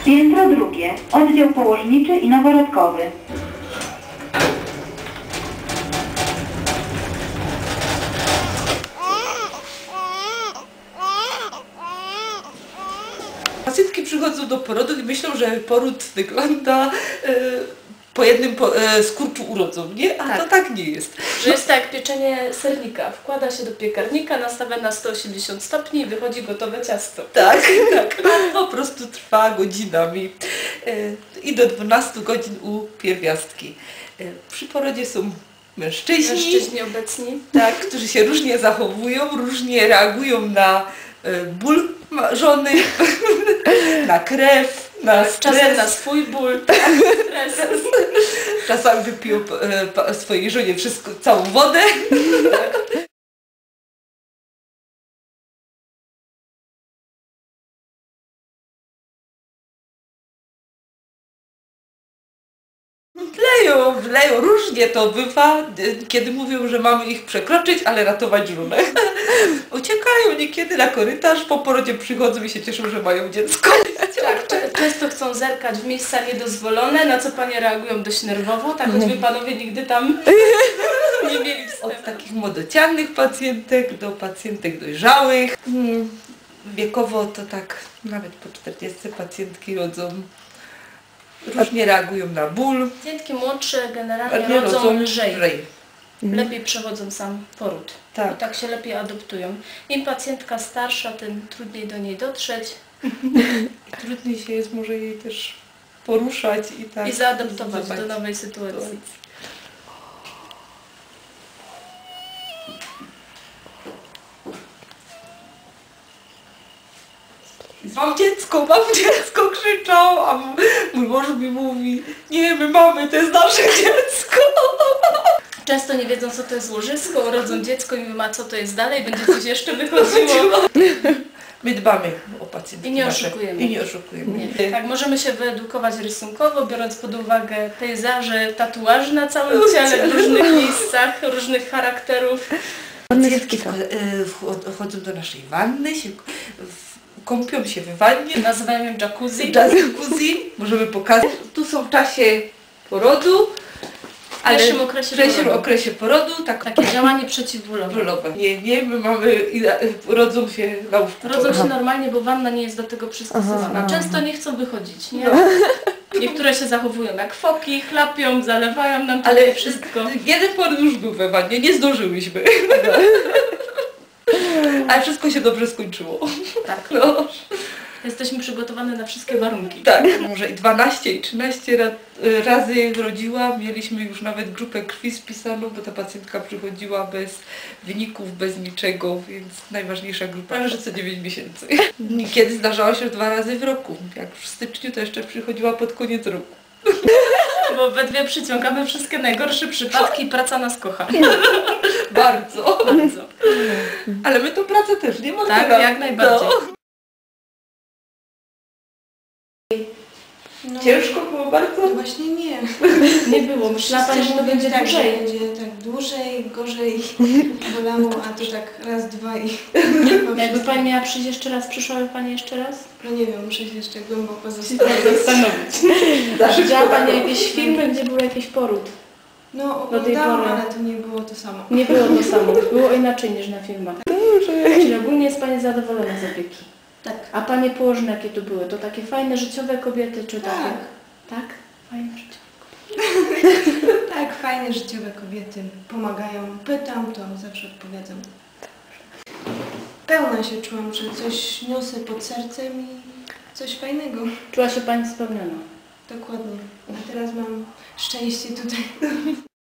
Piętro drugie, oddział położniczy i noworodkowy. Pacjentki przychodzą do porodu i myślą, że poród wygląda po jednym skurczu urodzą, nie? A to tak nie jest. Że jest tak jak pieczenie sernika. Wkłada się do piekarnika, nastawia na 180 stopni i wychodzi gotowe ciasto. Tak, tak. Po prostu trwa godzinami. I do 12 godzin u pierwiastki. Przy porodzie są mężczyźni obecni. tak, którzy się różnie zachowują, różnie reagują na ból żony, na krew, na stres. Czasem na swój ból, stres. Czasami wypiją swojej żonie całą wodę. Leją, różnie to bywa, kiedy mówią, że mamy ich przekroczyć, ale ratować żonę. Uciekają niekiedy na korytarz, po porodzie przychodzą i się cieszą, że mają dziecko. Tak, często chcą zerkać w miejsca niedozwolone, na co panie reagują dość nerwowo, tak choćby panowie nigdy tam nie mieli wstępu. Od takich młodocianych pacjentek do pacjentek dojrzałych. Wiekowo to tak nawet po 40 pacjentki rodzą. Różnie reagują na ból. Pacjentki młodsze generalnie rodzą lżej. Lepiej przechodzą sam poród. Tak. I tak się lepiej adoptują. Im pacjentka starsza, tym trudniej do niej dotrzeć. I trudniej się jest może jej też poruszać i zaadaptować do nowej sytuacji. Mam dziecko, krzyczał, a mój mąż mi mówi, nie, my mamy, to jest nasze dziecko. Często nie wiedzą, co to jest łożysko, urodzą dziecko i mówią, a co to jest dalej, będzie coś jeszcze wychodziło. My dbamy o pacjentki. I nie oszukujemy. I nie oszukujemy. Nie. Tak, możemy się wyedukować rysunkowo, biorąc pod uwagę pejzaże, tatuaże na całym ciele, w różnych miejscach, różnych charakterów. Pacjentki wchodzą do naszej wanny, kąpią się w wannie. Nazywają ją jacuzzi. Jacuzzi, możemy pokazać. Tu są w czasie porodu, ale w pierwszym okresie porodu takie działanie przeciwbólowe. Nie, my mamy, rodzą się na łóżku. Rodzą się normalnie, bo wanna nie jest do tego przystosowana. Często nie chcą wychodzić, nie? Niektóre się zachowują jak foki, chlapią, zalewają nam tutaj wszystko. Jeden poród już był we wannie, nie zdążyłyśmy. Ale wszystko się dobrze skończyło. Tak. No. Jesteśmy przygotowane na wszystkie warunki. Tak, może i 12 i 13 razy rodziłam. Mieliśmy już nawet grupę krwi spisaną, bo ta pacjentka przychodziła bez wyników, bez niczego, więc najważniejsza grupa, że co 9 miesięcy. Niekiedy zdarzało się 2 razy w roku. Jak w styczniu, to jeszcze przychodziła pod koniec roku. Bo we dwie przyciągamy wszystkie najgorsze przypadki i praca nas kocha. Bardzo. Bardzo. Ale my tą pracę też nie mamy. Tak, jak najbardziej. No, ciężko było bardzo? Właśnie nie. Nie było. Myślała Pani, że to będzie tak, dłużej. Że będzie tak dłużej, gorzej bolało, a to tak raz, dwa i... Jakby Pani miała przyjść jeszcze raz, przyszłaby Pani jeszcze raz? No nie wiem, muszę się jeszcze głęboko zastanowić. Widziała Pani jakieś filmy, gdzie był jakiś poród? No Do tej oglądałam, pory. ale to nie było to samo. Nie było to samo. Było inaczej niż na filmach. Czyli ogólnie jest Pani zadowolona z opieki? Tak. A Panie położne jakie to były? To takie fajne, życiowe kobiety, czy takie? Tak? Fajne, życiowe. Tak, fajne, życiowe kobiety pomagają. Pytam, to zawsze odpowiadam. Pełna się czułam, że coś niosę pod sercem i coś fajnego. Czuła się Pani spełniona? Dokładnie. A teraz mam szczęście tutaj.